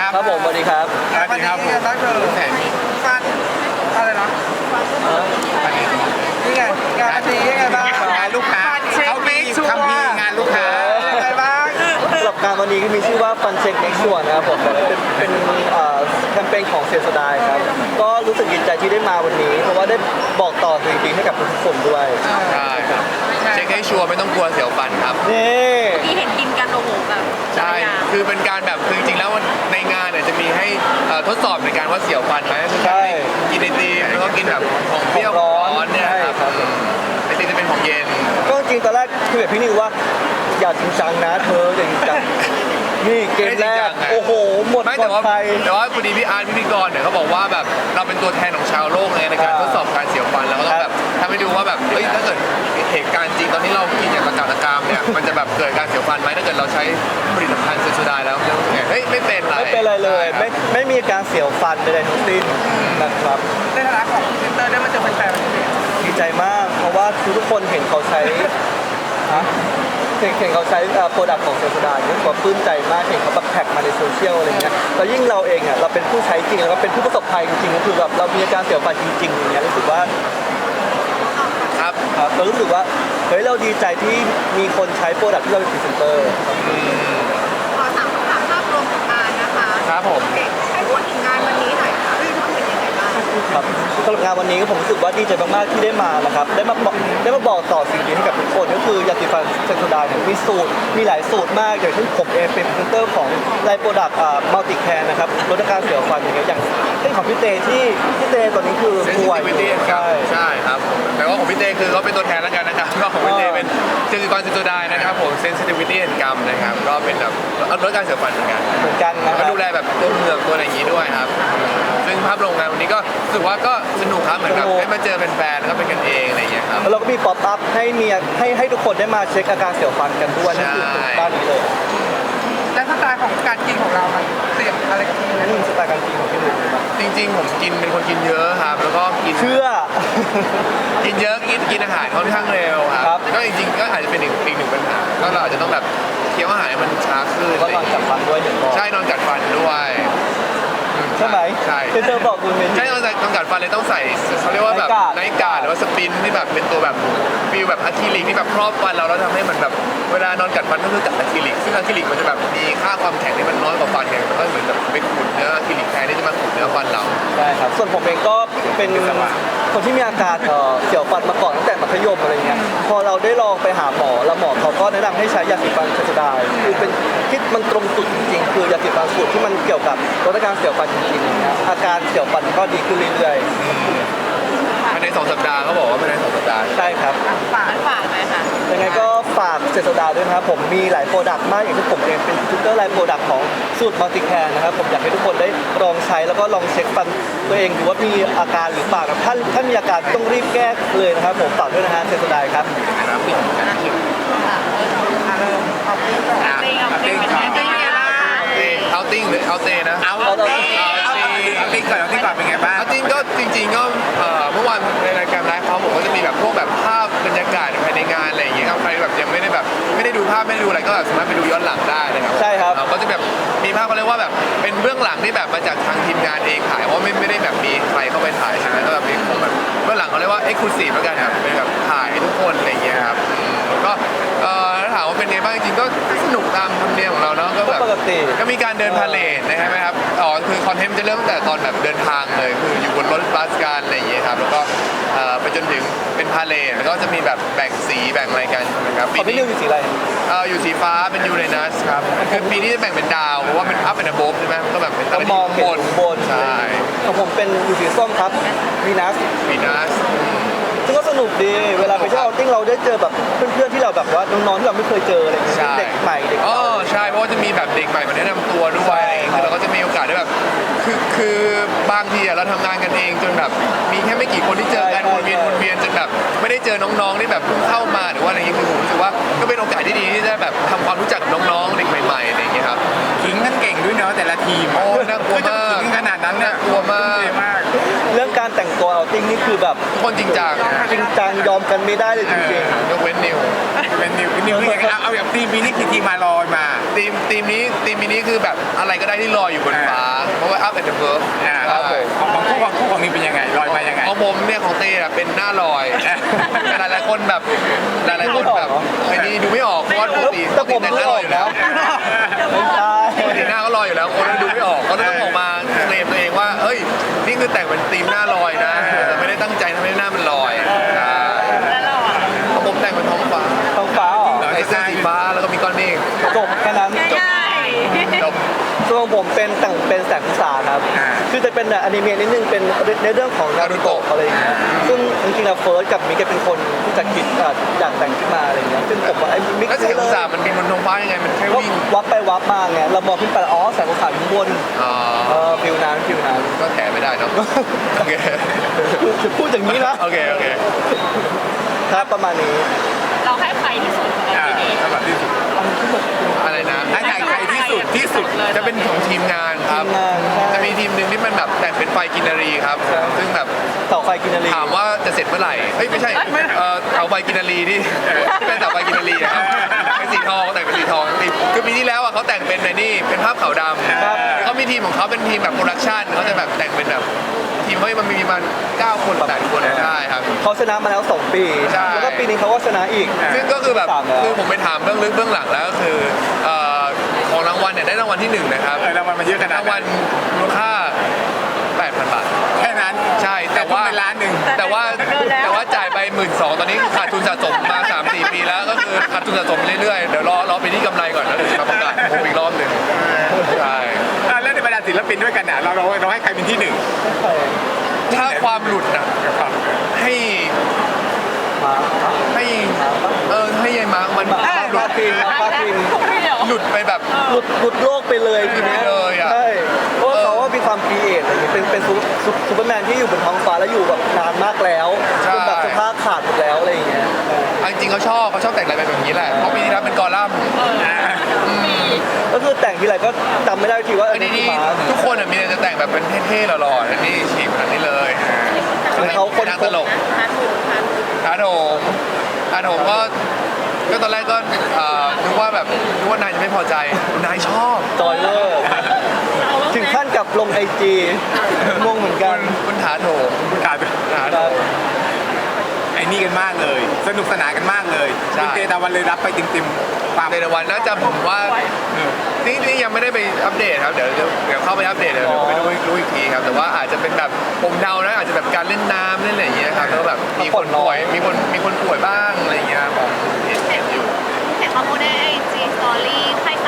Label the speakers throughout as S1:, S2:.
S1: ครับผมสวัสดีครับ
S2: สวัสดีครับผมตั้งเธอฟันอะไรนะนี่ไงงานดียังไงบ้างงานลูกค้าเขามีคัมภีร์งานลูกค้าอะไรบ้าง
S1: สำหรับงานวันนี้ก็มีชื่อว่า Fun Check Next ส่วนนะครับผมเป็นแคมเปญของเซนสดายครับก็รู้สึกดีใจที่ได้มาวันนี้เพราะว่าได้บอกต่อสิ่งดีให้กับทุกคนด้วย
S3: ใช่ครับเช็คให้ชัวร์ไม่ต้องกลัวเสียวฟันครับ
S1: นี่
S4: ที่เห็นกินกันโอ้โหแบบ
S3: ใช่คือเป็นการแบบคือจริงๆแล้วในงานเนี่ยจะมีให้ทดสอบในการว่าเสียวฟันไหมคือการกินไอติมแล้วก็กินแบบของเปรี้ยวร้อนเนี่ยครับไอติมจะเป็นของเย็น
S1: ก็จริงตอนแรกคุยกับพี่นิวว่าอย่าจริงจังนะเธออย่าจริงจังนี่เกมแรกโอ้โหหมด
S3: แต่ว่าพอดีพี่อาร์ตพิธีกรเนี่ยเขาบอกว่าแบบเราเป็นตัวแทนของชาวโลกเลยในการทดสอบการเสียวฟันแล้วก็ต้องแบบทำให้ดูว่าแบบเฮ้ยถ้าเกิดเหตุการณ์จริงตอนที่เรากินอย่างตะการเนี่ยมันจะแบบเกิดการเสียวฟันไหมถ้าเกิดเราใช้ผลิตภัณฑ์เซนโซไดแล้วเฮ้ยไม่เป็น
S1: ไรเลยไม่มีการเสียวฟันใดๆทั้งสิ้นนะครับ
S2: ในฐานะของเซ็นเตอร์ได้มาเจอแฟน
S1: ๆดีใจมากเพราะว่าทุกคนเห็นเขาใช้เห็นเขาใช้โปรดักต์ของเซนโซไดนี่ก็ปลื้มใจมากเห็นเขาแบบแท็กมาในโซเชียลอะไรเงี้ยแล้วยิ่งเราเองอ่ะเราเป็นผู้ใช้จริงแล้วก็เป็นผู้ประสบภัยจริงๆก็คือแบบเรามีอาการเสียวฟันจริงๆอย่างเงี้ยรู้สึกว่า
S3: ครับ
S1: เรารู้สึกว่าเฮ้ยเราดีใจที่มีคนใช้โปรดักต์ที่เราเป็นพรีเซนเตอร์
S4: ขอถามคำถามภาพรวมของงานนะคะ
S3: ครับผม
S4: ให้พูดถึงงานวันนี้หน่อยค่ะรู้สึกยังไงบ้าง
S1: ครับสำหรับงานวันนี้ผมรู้สึกว่าดีใจมากๆที่ได้มานะครับได้มาบอกต่อสิ่งดีให้กับทุกคนก็คือยาสีฟันเซนโซไดมีสูตรมีหลายสูตรมากอย่างเช่นผมเองเป็นพรีเซนเตอร์ของไลน์โปรดักต์มัลติแคร์นะครับลดอาการเสียวฟันอย่างเงี้ยอย่างเช่นของพี่เตที่พี่เตตัวนี้คือ
S3: ป่วยใช่ครับแต่ว่าของพี่เตคือเขาเป็นตัวแทนแล้วกันนะครับก็ของพี่เตเป็นเซนซิกรเซนโซไดนะครับผม sensitivity and gum นะครับก็เป็นแบบลดการเสียวฟันเหมือนกัน
S1: นะ
S3: ดูแลแบบตัวเหงือกตัวอะไรอย่างนี้ด้วยครับซึ่งภาพโรงงานวันนี้ก็รู้สึกว่าก็สนุกครับเหมือนกับได้มาเจอแฟนๆแล้วก็เป็นกันเองอะไรอย่างเงี้ยครับ
S1: แล้วเราก็มีป๊อปอัพให้ทุกคนได้มาเช็คอาการเสียวฟันกันด้วยนั่นคือด้านนี้เลย
S2: และสไตล์ของการกินของเรามันเสี่ยงอะไรกับพี่
S1: นี่สไตล์การกินของพี่หนุ่ม
S3: จริงๆผมเป็นคนกินเยอะครับแล้วก็กิน
S1: เชื่อ
S3: กินเยอะกินอาหารค่อนข้างเร็วครับก็จริงๆก็อาจจะเป็นอีกหนึ่งปัญหาก็เราอาจจะต้องแบบเคี้ยวอาหารมันช้าขึ้น
S1: ก็นอนกัดฟันด้วย
S3: ใช่นอนกัดฟันด้วย
S1: ใช่ไหม
S3: ใช่
S1: เธอบอกคุณเป็น
S3: ใช่ต้องกัดฟันเลยต้องใส่เขาเรียกว่าแบบไนท์การ์ดหรือว่าสปินที่แบบเป็นตัวแบบฟิลแบบอะคริลิกที่แบบครอบฟันเราแล้วทำให้มันแบบเวลานอนกัดฟันก็คือกัดอะคริลิกซึ่งอะคริลิกมันจะแบบมีค่าความแข็งที่มันน้อยกว่าฟันไงมันก็เหมือนแบบไปขูดเนื้ออะคริลิกแทนที่จะมาขูดเนื้อฟันเรา
S1: ใช่ครับส่วนผมเองก็เป็นคนที่มีอาการเสียวฟันมาก่อนตั้งแต่มัธยมอะไรเงี้ยพอเราได้ลองไปหาหมอแล้วหมอเขาก็แนะนำให้ใช้ยาสีฟันเซนโซไดคือเป็นคิดมันตรงจุดจริงๆคือยาสีฟันสูตรที่มันเกี่ยวกับลดอาการเสียวฟันจริงๆนะอาการเสียวฟันก็ดีขึ้นเรื่อย
S3: ๆภายใน2 สัปดาห์เขาบอกว่าภายใน2 สัปดาห์
S1: ใช่ครับ
S4: ฝากไหมคะ
S1: ยังไงก็ฝากเซนโซไดด้วยนะครับผมมีหลายโปรดักต์มากอย่างที่ผมเองเป็นพรีเซนเตอร์ไลน์โปรดักต์ของสูตรมัลติแคร์นะครับผมอยากให้ทุกคนได้ลองใช้แล้วก็ลองเช็คฟันตัวเองดูว่ามีอาการหรือเปล่าถ้ามีอาการต้องรีบแก้เลยนะครับผมฝากด้วยนะฮะเซนโซไดครับ
S3: เอาติ้งหรือเอาเตนะ
S2: เอาติ้งก่อนเป็นไงบ้าง
S3: เอาติ้งก็จริงๆก็เมื่อวานในรายการไลฟ์เขาผมก็จะมีแบบพวกแบบภาพบรรยากาศภายในงานอะไรอย่างเงี้ยครับใครแบบยังไม่ได้ดูภาพไม่ได้ดูอะไรก็สามารถไปดูย้อนหลังได้นะครับ
S1: ใช่ครับ
S3: ก็จะแบบมีภาพเขาเรียกว่าแบบเป็นเบื้องหลังที่แบบมาจากทางทีมงานเองถ่ายเพราะไม่ได้แบบมีใครเข้าไปถ่ายใช่ไหมก็แบบเป็นแบบเบื้องหลังเขาเรียกว่า exclusive แล้วกันครับเป็นแบบถ่ายให้ทุกคนอะไรอย่างเงี้ยครับก็ถามว่าเป็นไงบ้างจริงๆก็สนุกตามธรรมเนียมของเราเนาะก็แบบก็มีการเดินพาเลทนะครับครับคือคอนเทนต์จะเริ่มตั้งแต่ตอนแบบเดินทางเลยคืออยู่บนรถบัสกันอะไรอย่างเงี้ยครับแล้วก็ไปจนถึงเป็นพาเลทแล้วก็จะมีแบบแบ่งสีแบ่งอะไรกันนะครับ
S1: ปีนี้อยู่สีอะไร
S3: อยู่สีฟ้าเป็นยูเรนัสครับคือปีนี้จะแบ่งเป็นดาวเพราะว่าเป็นอัพเป็นอะโบฟใช่ไหมก็แบบเป็นอะไรที่
S1: บน
S3: ใช่
S1: ของผมเป็นอยู่สีส้มครับวีนัสซึ่งก็สนุกดีเวลาไปเที่ยวเอาติ้งเราได้เจอแบบเพื่อนๆที่เราแบบว่าน้องๆที่เราไม่เคยเจออะไรอย่างเงี้ยเด็กใหม่เด็ก
S3: ใช่เพราะว่าจะมีแบบเด็กใหม่มาแนะนำตัวด้วยคือเราก็จะมีโอกาสได้แบบคือบางทีเราทำงานกันเองจนแบบมีแค่ไม่กี่คนที่เจอกันวนเวียนจนแบบไม่ได้เจอน้องๆที่แบบเพิ่งเข้ามาหรือว่าอะไรอย่างเงี้ยคือผมรู้สึกว่าก็เป็นโอกาสที่ดีที่จะแบบทำความรู้จักกับน้องๆเด็กใหม่ๆอะไรอย่างเงี้ยครับ
S2: ขิงกันเก่งด้วยเนาะแต่ละทีม
S3: โอ้น่ากลัวมาก
S2: ขิงขนาดนั้น
S3: น่ากลัวมาก
S1: เรื่องการแต่งตัวเอาติ้งนี่คือแบบ
S3: ทุกคนจริงจัง
S1: ยอมกันไม่ได้เลยจริง
S3: ๆยกเว้นนิว
S2: เอาแบบทีมนี้คือทีมมาลอยมา
S3: ททีมนี้คือแบบอะไรก็ได้ที่ลอยอยู่บนฟ้าเพราะว่า up at the verb
S2: ครับของคู่ของนี้เป็นยังไงลอยมายังไง
S3: ของผมเนี่ยของเต้อะเป็นหน้าลอยหลายคนแบบหลายคนแบบไอ้นี่ดูไม่ออกเพราะว่าปกติ
S1: แต่ผม
S3: แต่ง
S1: รู้
S3: หน้า
S1: อ
S3: ล
S1: อ
S3: อย
S1: ก
S3: อยู่
S1: แล้
S3: แล้ว ว
S1: ไม่ใช่
S3: ปกติหน้าก็ลอยอยู่แล้วคนดูไม่ออกก็เลยต้องออกมาเคลมตัวเองว่าเฮ้ยนี่คือแต่งเป็นธีมหน้าลอยนะแต่ไม่ได้ตั้งใจทำให้หน้ามันลอยใช่ของผมแต่งเป็นท้องฟ้า
S1: ท้องฟ้าเหรอ
S3: ใส่เสื้อสีฟ้าแล้วก็มีก้อนเมฆ
S1: จบแค่นั้น
S3: จบ
S1: ส่วนของผมเป็นแต่งเป็นแสงอุตสาหครับ คือจะเป็นแบบอนิเมะนิดนึงเป็นในเรื่องของนารูโตะอะไรอย่างเงี้ยซึ่งจริงๆแล้วเฟิร์สกับมิกแกเป็นคนที่จะคิดอยากแต่งขึ้นมาอะไรอย่างเงี้ยซึ่งผมว่าไอ้มิก
S3: แล้วแสงอุตสาหมันบินบนท้องฟ้ายังไงมันแค่
S1: ก็
S3: วิ่ง
S1: วับไปวับมาไงเรามองขึ้นไปอ๋อแสงอุตสาหอยู่ข้างบน
S3: อ๋อ
S1: ฟิวนั้น
S3: ก็แถไม่ได้เนอะโอเค
S1: พูดอย่างนี้นะ
S3: โอเค
S1: ครับประมาณนี้
S4: เราให้ใครที่สุดของเราที่ดี
S2: สำหรับที่สุด
S3: อะไรนะ
S2: ให้ใครที่สุด
S3: จะเป็นของทีมงานครับ
S1: ทีมงานใช่
S3: จะมีทีมหนึ่งที่มันแบบแต่งเป็นไฟกินนารีครับ ซึ่งแบบ
S1: เสาไฟกินนารี
S3: ถามว่าจะเสร็จเมื่อไหร่เอ้ยไม่ใช่เสาไฟกินนารีที่เป็นเสาไฟกินนารีอะครับเป็นสีทองแต่งเป็นสีทองคือปีที่แล้วอ่ะเขาแต่งเป็นในนี่เป็นภาพขาวดำเขามีทีมของเขาเป็นทีมแบบโปรดักชันเขาจะแบบแต่งเป็นแบบทีมเขามันมีประมาณ9 คน8 คนได้ครับ
S1: เขาชนะมาแล้ว2 ปี
S3: ใช่
S1: แล้วก็ปีนี้เขาก็ชนะอีก
S3: ซึ่งก็คือแบบ
S1: สามแล้ว
S3: คือผมไปถามเบื้องลึกเบื้องหลังแล้วก็คือของรางวัลเนี่ยได้รางวัลที่1นะครับ
S2: รางวัลมันเยอะขนาด
S3: รางวัลมูลค่า 8,000 บาท
S2: แค่นั้น
S3: ใช่แต่ว่า
S2: เป็นล้านหนึ่ง
S3: แต่ว่าจ่ายไป 12,000 ตอนนี้ขาดทุนสะสมมา 3-4 ปีแล้วก็คือขาดทุนสะสมเรื่อยๆเดี๋ยวรอไปที่กำไรก่อนแล้วเดี๋ยวจะมาประกาศผมอีกรอบหนึ่งใช่
S2: แล้วในบรรดาศิลปินด้วยกันเนี่ยเราให้ใครเป็นที่หนึ่ง
S3: ถ้าความหลุดนะให้
S1: มา
S3: ให้ให้ยายมาร์คมัน
S1: มาปาทิน
S3: หลุดไปแบบ
S1: หลุดโลกไปเลยทีเนี้ย
S3: หลุดไปเลยอะ
S1: ใช่เพราะว่าเขาว่ามีความครีเอทอะไรอย่างเงี้ยเป็นซูเปอร์แมนที่อยู่บนท้องฟ้าแล้วอยู่แบบนานมากแล้วจนแบบสภาพขาดหมดแล้วอะไรอย่างเงี้ย
S3: จริงๆเขาชอบแต่งอะไรแบบนี้แหละเพราะปีที่แล้วเป็นกอลัมน์
S1: ก็คือแต่งทีไรก็จำไม่ได้ทีว่า
S3: อันนี้
S1: คือมา
S3: ทุกคนมีแต่จะแต่งแบบเป็นเท่ๆหล่อๆอันนี้ฉีกแบบนี้เลย
S1: คือเขาคน
S3: นางตลกอาโถมก็ตอนแรกก็นึกว่านายจะไม่พอใจนายชอบ
S1: จอยเลอร์ถึงขั้นกับลงIG งงเหมือนกัน
S3: คุณถาโถม
S2: กลายเป็น
S3: ถาโถม
S2: ไอ้นี่กันมากเลย สนุกสนานกันมากเลย
S3: ใช่
S2: คุณเตตะวันเลยรับไปติมๆความ
S3: ในวันน่าจะผมว่านี่ยังไม่ได้ไปอัปเดตครับเดี๋ยวเข้าไปอัปเดตเดี๋ยวไปดูอีกทีครับแต่ว่าอาจจะเป็นแบบผมเดานะอาจจะแบบการเล่นน้ำเล่นอะไรอย่างเงี้ยครับแล้วแบบมีคนป่วยมีคนป่วยบ้างอะไรอย่างเงี้ยผมเห็นอยู่
S4: เห็นข้อมูลในไอจีสตอรี่ไข้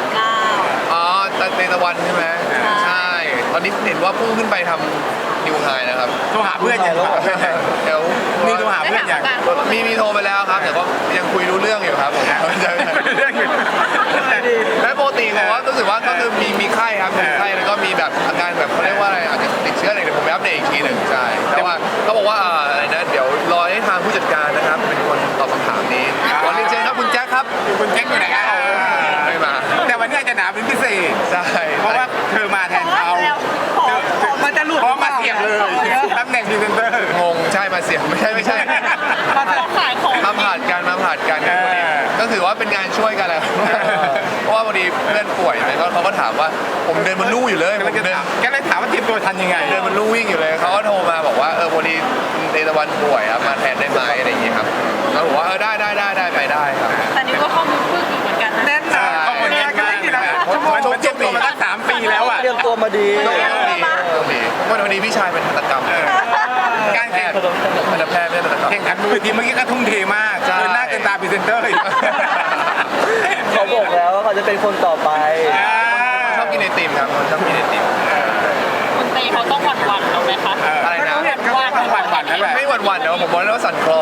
S4: 37.9
S3: อ๋อในตะวันใช่ไหมใช่ตอนนี้เห็นว่าพุ่งขึ้นไปทำนิวไฮนะครับ
S2: โทรหาเพื่อนยัง
S3: เดี๋ยว
S2: นี่โทรหาเพื่อนยัง
S3: มีโทรไปแล้วครับแต่ก็ยังคุยรู้เรื่องอยู่ครับผม
S2: เรื่องอยู่
S3: และปกติผมว่ารู้สึกว่าก็คือมีไข้ครับมีไข้แล้วก็มีแบบอาการแบบเขาเรียกว่าอะไรอาจจะติดเชื้ออะไรเดี๋ยวผมไปอัปเดตอีกทีหนึ่งใช่แต่ว่าเขาบอกว่าอะไรนะเดี๋ยวรอให้ทางผู้จัดการนะครับเป็นคนตอบคำถามนี้ขอเรียนเชิญครับคุณแจ็คครับ
S2: คุณแจ็คอยู่ไหนครับ
S3: ไม่มา
S2: แต่วันนี้จะหนาเป็นพิเศษ
S3: ใช่
S2: เพราะว่าเธอมาแทนเขามันจะหลุดเพราะมาเสียบเลยตำแหน่งพรีเซนเตอร์
S3: งงใช่มาเสียงไม่ใช่
S4: มาขายของ
S3: มาผ่านกันก็ถือว่าเป็นงานช่วยกันแหละเพราะว่าพอดีเพื่อนป่วยแล้วเขาก็ถามว่าผมเดินบนลู่อยู่เลย
S2: ก็เลยถามว่าเตรียมตัวทันยังไง
S3: เดินบนลู่วิ่งอยู่เลยเขาก็โทรมาบอกว่าพอดีเตตะวันป่วยครับมาแทนได้ไหมอะไรอย่างเงี้ยครับเขาบอกว่าได้ไปได้ครับ
S4: แต่นี่ก็ข้อมูลพึ่งอีกเหมือนกันนะ
S2: แน่นหนาข้อมูลแน่นมากมันเตรียมตัวมาตั้ง3 ปีแล้วอ่ะ
S1: เตรียมตัวมาดี
S3: วันนี้พี่ชายเป็นทันตกรรม
S2: การแข่ง
S3: ทันตแพทย์ไม่ใช่ทันตกรรม
S2: แข่งขันบนเวทีเมื่อกี้ก็ทุ่มเทมาก
S3: ใช่
S2: เกินหน้าเกินตาพรีเซนเตอร์อีก
S1: เขาบอกแล้วว่าเขาจะเป็นคนต่อไป
S3: ชอบกินไอติมครับชอบกินไอติม
S4: คุณเตเขาต้องหวั่นๆเอาไหมคะ
S3: อะไรนะ
S2: หวั่นๆนั่นแหละ
S3: ไม่หวั่นๆเดี๋ยวผมบอกเลยว่าสั่นคลอน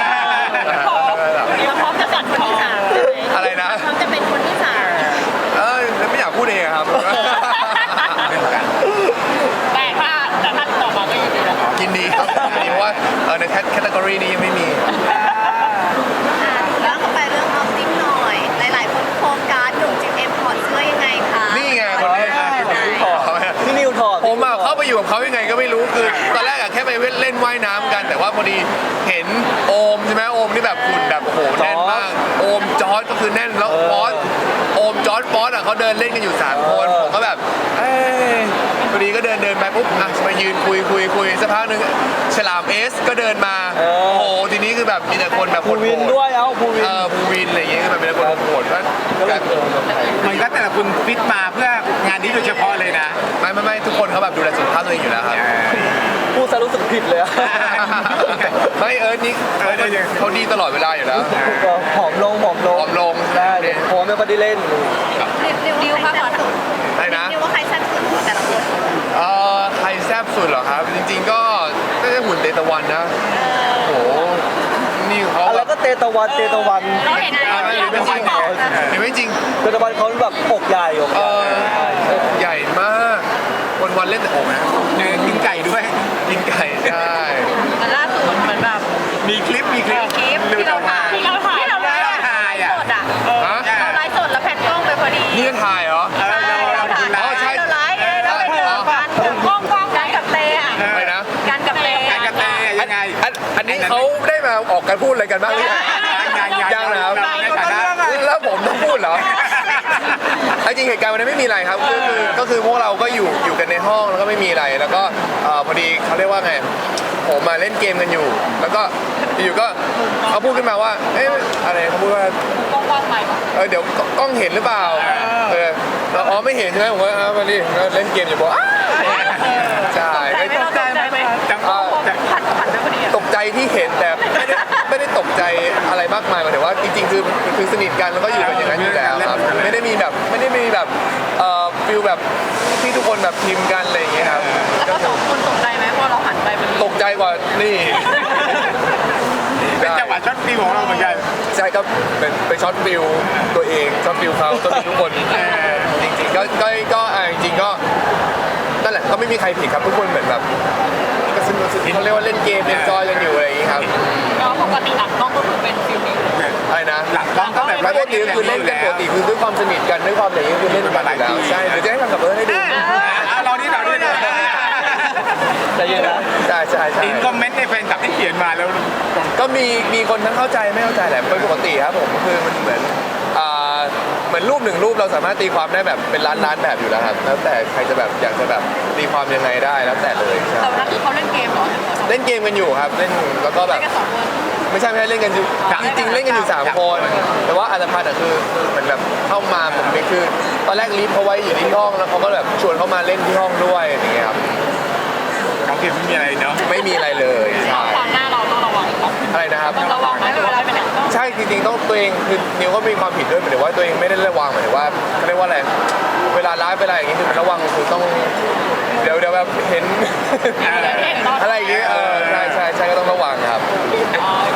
S4: พร้อมจะสั่นคลอน
S3: อะไรนะ
S4: พร้อมจะเป็นคนที่สาม
S3: ไม่อยากพูดเองครับ
S4: แต่ถ้าต่อมาก็ยินดีแล้ว
S3: ยินดีครับเพราะว่าในแคตตากรีนี้ยังไม่มี
S4: แล้วก็ไปเรื่องออฟติ้งหน่อย หลายๆคนโฟกัสหนุ่มจิมเอ็มพอร์ตเสื้อยังไงคะ
S3: นี่ไงคนนี้
S1: พี่นิวถอด
S3: ผมเข้าไปอยู่กับเขายังไงก็ไม่รู้คือตอนแรกแค่ไปเล่นว่ายน้ำกัน แต่ว่าพอดีเห็นโอมใช่ไหมโอมนี่แบบหุ่นแบบโอ้โหแน่นมากโอมจอร์ดก็คือแน่นแล้วฟอสโอมจอร์ดฟเดินเล่นกันอยู่3คนผมก็แบบเอ้ยพอดีก็เดินไปปุ๊บอ่ะมายืนคุยสักพักหนึ่งฉลามเอสก็เดินมาโอ้โหทีนี้คือแบบมีแต่คนแบบ
S1: ภูวินด้วยภูวิน
S3: ภูวินอะไรอย่างเงี้ยคือแบบมีแต่คนโหดก็
S1: ก็เลยเจอกับใคร
S2: มันก็แต่ละคุณฟิตมาเพื่องานนี้โดยเฉพาะเลยนะ
S3: ไม่ทุกคนเขาแบบดูแลสุขภาพตัวเองอยู่แล้วครับ
S1: พูดซะรู้สึกผิดเลยอะ
S3: ไม่นี่เขาดีตลอดเวลาอยู่แล้ว
S1: ก็ผอมลง
S3: ผอมลง
S1: ได้เพราะว่าไม่ค่อยได้เล่น
S4: ดิวค่ะขอถาม
S3: อะไรนะ
S4: ดิวว่าใครแซ่บสุดของแต่ละคน
S3: ใครแซ่บสุดเหรอครับ จริงๆก็น่าจะหุ่นเตตะวันนะโหนี่เขา
S1: อะไร
S3: แบบ
S1: ก็เตตะวัน
S4: เราเห็นอะไรที่เราไม่บอก
S3: เห็นไหมจริง
S1: เตตะวันเขาแบบอกใหญ่อก
S3: ใหญ่มากวันเล่นแต่อกนะ
S2: กินไก่ด้วย
S3: กินไก่ใช่
S4: มันล่าสุดเหมือนแบบ
S2: มีคลิป
S4: คลิปที่เราถ่ายที่เราไลฟ์สดอ่ะ
S3: ฮะ
S4: เราไลฟ์สดแล้วแพนกล้องไปพอดี
S3: นี่ก็ถ่ายเหรอ
S4: เราถ่าย
S3: อ๋อใช่
S4: เราไลฟ์แล้วไปเจอกันกล้องกันกับเตอ่ะ
S3: อะไรนะ
S4: กันกับเต
S2: การกระเตยยังไง
S3: อันนี้เขาได้มาออกกันพูดอะไรกันบ้างหรือยังยังนะครับ
S2: ในฐานะ
S3: แล้วผมต้องพูดเหรอเอาจริงเหตุการณ์วันนั้นไม่มีอะไรครับก็คือพวกเราก็อยู่กันในห้องแล้วก็ไม่มีอะไรแล้วก็พอดีเขาเรียกว่าไงผมมาเล่นเกมกันอยู่ แล้วก็อยู่ก็เขาพูดขึ้นมาว่าเอ๊ะอะไรเขาพูดว่าก
S4: ล้องใหม่
S3: เดี๋ยวกล้องเห็นหรือเปล่าอ๋อไม่เห็นใช่ไหมผมว่ามาดิเล่นเกมอยู่บอกใช่
S4: ตกใจไหม
S2: จังหวะ
S4: ผัดไปพอดี
S3: ตกใจที่เห็นแต่ไม่ได้ตกใจอะไรมากมายหมายถึงว่าจริงๆคือสนิทกันแล้วก็อยู่กันอย่างนั้นอยู่แล้วครับไม่ได้มีแบบฟิลแบบที่ทุกคนแบบพิมพ์กันอะไรอย่างเงี้ยครับ
S4: แล้วก็สองคนตกใจไหมพอเราหันไปมัน
S3: ตกใจกว่านี่
S2: เป็นจังหวะช็อตฟิวของเราเหมือนกัน
S3: ใช่ก็เป็นไปช็อตฟิลตัวเองช็อตฟิลเขาช็อตฟิลทุกคนจริงๆก็จริงๆก็นั่นแหละก็ไม่มีใครผิดครับทุกคนเหมือนแบบก็สนุกเขาเรียกว่าเล่นเกมเล่นจอยกันอยู่อะไรอย่างงี้ครับ
S4: เราปกติหลังกล้องก็คือเป็นฟิลนี้
S3: อะไรนะ
S2: หลังกล้องก็แบบ
S3: ไม่ปกติคือเล่นกันปกติคือด้วยความสนิทกันด้วยความอะไรอย่างเงี้ยคือเล่นกันอยู่แล้วใช่เดี๋ยวจะให้ทำกับเอิร์ธให้ดู
S2: เรานี่
S1: ใจเย็นนะ
S3: ใช่ใช่ใช่
S2: อินคอมเมนต์ในแฟนคลับที่เขียนมาแล้ว
S3: ก็มีคนทั้งเข้าใจไม่เข้าใจแหละเป็นปกติครับผมคือมันเหมือนรูปหนึ่งรูปเราสามารถตีความได้แบบเป็นล้านแบบอยู่แล้วครับแล้วแต่ใครจะแบบอยากจะแบบตีความยังไงได้แล้วแต่เลยใช่
S4: แต่วันนั้นคือเขาเล่นเกมเหรอ
S3: เล่นเกมกันอยู่ครับเล่นแล้วก็แบ
S4: เล่
S3: บ
S4: นกันสองคน
S3: ไม่ใช่เล่นกันอยู่จริงๆเล่นกันอยู่3คนแต่ว่าอัตภัณฑ์คือเหมือนแบบเข้ามาผมนี่คือตอนแรกลีฟเขาไว้อยู่ที่ห้องแล้วเขาก็แบบชวนเขามาเล่นที่ห้องด้วยอย่างเงี้ยครับ
S2: เขาเขียนไม่มีอะไรเนาะ
S3: ไม่มีอะไรเลยใช่
S4: ความหน้าเราต้องระวัง
S3: อะไรนะครับ
S4: ต้องระวังไหมเวลาไปไหนต้อง
S3: ใช่จริงๆต้องตัวเองคือนิวก็มีความผิดด้วยหมายถึงว่าตัวเองไม่ได้ระวังหมายถึงว่าเขาเรียกว่าอะไรเวลาไลฟ์เวลาอย่างงี้คือมันระวังคือต้องเดี๋ยวแบบเห็นอะไรอย่างเงี้ยใช่ก็ต้องระวังครับ
S4: โอ